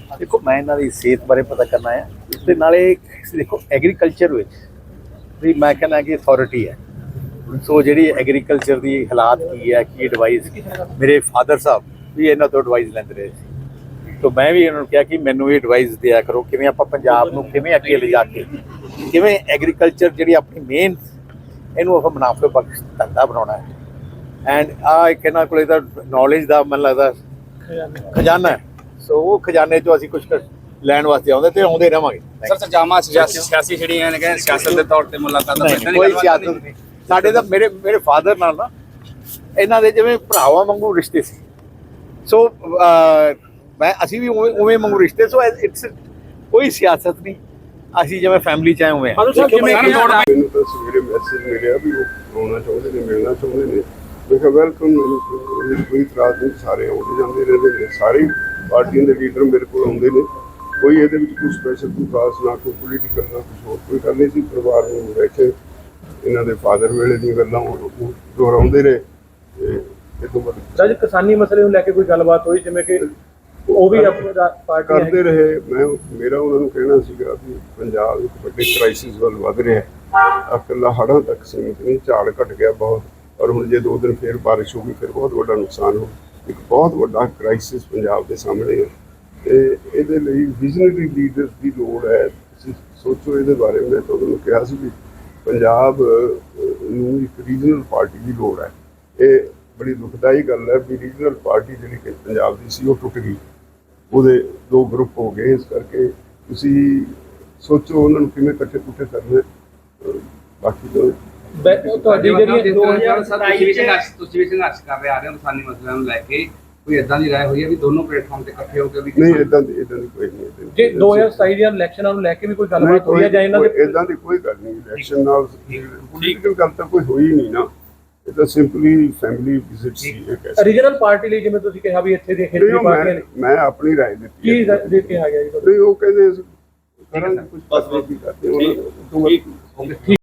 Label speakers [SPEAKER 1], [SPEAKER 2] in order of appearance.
[SPEAKER 1] देखो मैं इन्हों की सेहत बारे पता करना है तो नाले देखो एग्रीकल्चर भी मैं कहना कि अथॉरिटी है सो जी एग्रीकल्चर की हालात की है कि एडवाइस मेरे फादर साहब भी इन्हों तो एडवाइस लेंदे रहे तो मैं भी इन्होंने कहा कि मैनू भी एडवाइस दिया करो कि आप पंजाब को किवें अगे ले जाके किवें एग्रीकल्चर जी अपनी मेन इनू आप मुनाफे बख्श धंधा बनाना है एंड एक इन्हों को नॉलेज का मैं लगता खजाना है सो वो खजाने चो असीं कुछ लैण वास्ते आउंदे ते आउंदे रहांगे
[SPEAKER 2] सर जामा सियासी ਜਿਹੜੀਆਂ ਨੇ ਕਿ ਸਿਆਸਤ ਦੇ ਤੌਰ ਤੇ ਮੁਲਾਕਾਤਾਂ
[SPEAKER 1] कोई सियासत नहीं साडे तां मेरे फादर नाल ना इन्हां दे जिवें भरावां वांगू रिश्ते सी सो मैं असीं भी उवें वांगू रिश्ते सो इट्स कोई सियासत नहीं असीं जिवें फैमिली च आए उवें
[SPEAKER 3] ਮੈਨੂੰ ਤਾਂ ਸਵੇਰੇ ਮੈਸੇਜ ਮਿਲਿਆ ਵੀ ਉਹ ਆਉਣਾ ਚਾਹੁੰਦੇ ਨੇ ਮਿਲਣਾ ਚਾਹੁੰਦੇ ਨੇ ਮੈਂ ਕਿਹਾ ਵੈਲਕਮ ਕੋਈ ਇਤਰਾਜ਼ ਨਹੀਂ ਸਾਰੇ ਆਉਂਦੇ ਜਾਂਦੇ ਰਹਿੰਦੇ ਨੇ ਸਾਰੇ ਪਾਰਟੀਆਂ ਦੇ ਲੀਡਰ ਮੇਰੇ ਕੋਲ ਆਉਂਦੇ ਨੇ ਕੋਈ ਇਹਦੇ ਵਿੱਚ ਕੋਈ ਸਪੈਸ਼ਲ ਕੋਈ ਖਾਸ ਨਾ ਕੋਈ ਪੋਲੀਟੀਕਲ ਨਾ ਕੁਛ ਹੋਰ ਕੋਈ ਗੱਲ ਨਹੀਂ ਸੀ ਪਰਿਵਾਰ ਨੂੰ ਬੈਠੇ ਇਹਨਾਂ ਦੇ ਫਾਦਰ ਵੇਲੇ ਦੀਆਂ ਗੱਲਾਂ ਦੁਹਰਾਉਂਦੇ ਰਹੇ ਤੇ ਇਹ ਤੋਂ ਬਾਅਦ
[SPEAKER 4] ਸਰ ਕਿਸਾਨੀ ਮਸਲੇ ਨੂੰ ਲੈ ਕੇ ਕੋਈ ਗੱਲਬਾਤ ਹੋਈ ਜਿਵੇਂ ਕਿ ਉਹ ਵੀ ਆਪਣਾ ਪਾਰਟੀ
[SPEAKER 3] ਕਰਦੇ ਰਹੇ ਮੈਂ ਮੇਰਾ ਉਹਨਾਂ ਨੂੰ ਕਹਿਣਾ ਸੀਗਾ ਵੀ ਪੰਜਾਬ ਇੱਕ ਵੱਡੇ ਕ੍ਰਾਈਸਿਸ ਵੱਲ ਵਧ ਰਿਹਾ ਹੈ ਇਕੱਲਾ ਹੜ੍ਹਾਂ ਤੱਕ ਸੀਮਿਤ ਨਹੀਂ ਝਾੜ ਘਟ ਗਿਆ ਬਹੁਤ ਔਰ ਹੁਣ ਜੇ 2 ਦਿਨ ਫਿਰ ਬਾਰਿਸ਼ ਹੋ ਗਈ ਫਿਰ ਬਹੁਤ ਵੱਡਾ ਨੁਕਸਾਨ ਹੋ ਇੱਕ ਬਹੁਤ ਵੱਡਾ ਕ੍ਰਾਈਸਿਸ ਪੰਜਾਬ ਦੇ ਸਾਹਮਣੇ ਹੈ ਤੇ ਇਹਦੇ ਲਈ ਵਿਜ਼ਨਰੀ ਲੀਡਰਸ ਦੀ ਲੋੜ ਹੈ ਤੁਸੀਂ ਸੋਚੋ ਇਹਦੇ ਬਾਰੇ ਮੈਂ ਤੁਹਾਨੂੰ ਕਿਹਾ ਸੀ ਵੀ ਪੰਜਾਬ ਨੂੰ ਇੱਕ ਰੀਜਨਲ ਪਾਰਟੀ ਦੀ ਲੋੜ ਹੈ ਇਹ ਬੜੀ ਦੁਖਦਾਈ ਗੱਲ ਹੈ ਵੀ ਰੀਜਨਲ ਪਾਰਟੀ ਜਿਹੜੀ ਕਿ ਪੰਜਾਬ ਦੀ ਸੀ ਉਹ ਟੁੱਟ ਗਈ ਉਹਦੇ 2 ਗਰੁੱਪ ਹੋ ਗਏ ਇਸ ਕਰਕੇ ਤੁਸੀਂ ਸੋਚੋ ਉਹਨਾਂ ਨੂੰ ਕਿਵੇਂ ਇਕੱਠੇ ਕਰਨੇ ਬਾਕੀ ਤਾਂ
[SPEAKER 4] ਤੁਹਾਡੀ ਜਿਹੜੀ
[SPEAKER 2] 2027 ਤੁਸੀਂ ਵੀ ਸੰਘਰਸ਼ ਕਰ ਰਹੇ ਆ ਰਹੇ ਹੋ ਕਿਸਾਨੀ ਮਸਲਿਆਂ ਨੂੰ ਲੈ ਕੇ ਕੋਈ ਇਦਾਂ ਦੀ ਰਾਏ ਹੋਈ ਹੈ ਵੀ ਦੋਨੋਂ ਪਲੇਟਫਾਰਮ ਤੇ ਇਕੱਠੇ ਹੋ ਕੇ ਵੀ
[SPEAKER 3] ਨਹੀਂ ਇਦਾਂ ਦੀ ਕੋਈ ਨਹੀਂ
[SPEAKER 4] ਜੇ 2027 ਦੀਆਂ ਇਲੈਕਸ਼ਨਾਂ ਨੂੰ ਲੈ ਕੇ ਵੀ ਕੋਈ ਗੱਲਬਾਤ ਹੋਈ ਹੈ ਜਾਂ ਇਹਨਾਂ ਦੇ
[SPEAKER 3] ਇਦਾਂ ਦੀ ਕੋਈ ਗੱਲ ਨਹੀਂ ਇਲੈਕਸ਼ਨ ਨਾਲ ਪੋਲੀਟੀਕਲ ਗੱਲ ਤਾਂ ਕੋਈ ਹੋਈ ਨਹੀਂ ਨਾ ਇਹ ਤਾਂ ਸਿੰਪਲੀ ਫੈਮਿਲੀ ਵਿਜ਼ਿਟ ਸੀ ਇੱਕ
[SPEAKER 4] ਰੀਜਨਲ ਪਾਰਟੀ ਲਈ ਜਿਵੇਂ ਤੁਸੀਂ ਕਿਹਾ ਵੀ ਇੱਥੇ ਦੇ ਖੇਤਰੀ ਪਾਰਟੀਆਂ ਨੇ
[SPEAKER 3] ਮੈਂ ਆਪਣੀ ਰਾਏ ਦਿੱਤੀ
[SPEAKER 4] ਕੀ ਦੇ ਕੇ ਆ ਗਿਆ ਜੀ
[SPEAKER 3] ਨਹੀਂ ਉਹ ਕਹਿੰਦੇ ਕਰਾਂਗੇ ਕੁਝ ਪਾਸੇ ਵੀ ਕਰਦੇ ਉਹਨਾਂ